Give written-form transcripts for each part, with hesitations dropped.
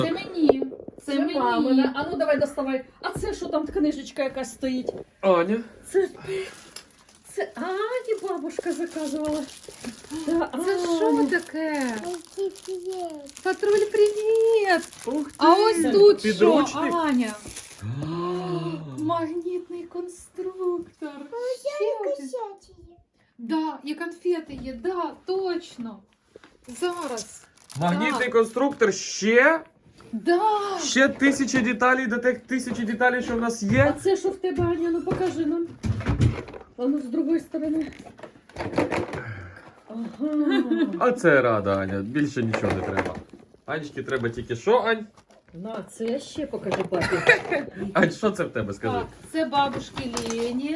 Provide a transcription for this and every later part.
Це мені. Це мені. мамина. А ну давай доставай. А це що там книжечка якась стоїть? Аня. Це Ані бабушка заказувала. Да, Це що Аня. таке? Патруль, привіт! Ух ти. А ось тут що, Підручник? Аня? Магнітний конструктор. Ще один. Да, і конфети є, да, точно. Зараз. Магнітний конструктор ще Да. 1000 деталей до тих 1000 деталей, що в нас А є. це що в тебе, Аня? Ну покажи нам. А ну з другої сторони. Ага. А це рада, Аня. Більше нічого не треба. Анечки треба тільки що, Ань? На, це ще покажи папі. Ань, що це в тебе, скажи? Так, це бабушки Лені.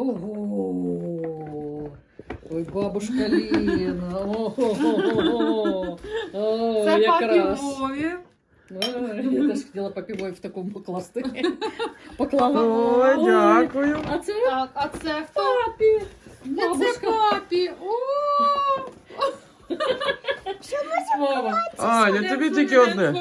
Ого. Ой, бабушка Ліна. Ого. О, Це папі якраз. Вові. Ой, я теж хотіла папі Вові в такому покласти. Поклала. Ой, дякую. А це Так, а це хто? папі. Це Бабушка. папі. О! Мама. Аня, тобі тільки одне.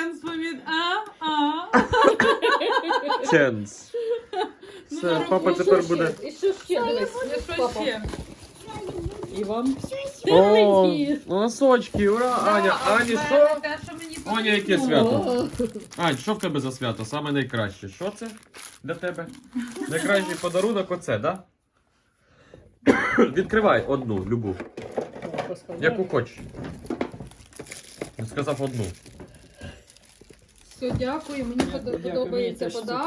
Ченс. Все, папа І що тепер ще? буде. І що ще? Дивись. Що Папа. ще? І вам. О, носочки, ура! Аня, Ані, що? Те, що мені Аня, яке потрібно. свято? Ань, що в тебе за свято? Саме найкраще. Що це для тебе? Найкращий подарунок оце, да? Відкривай одну, любу. Яку хочеш. Він сказав одну. Все, дякую, мені Дякую, мені подобається теж подарунок.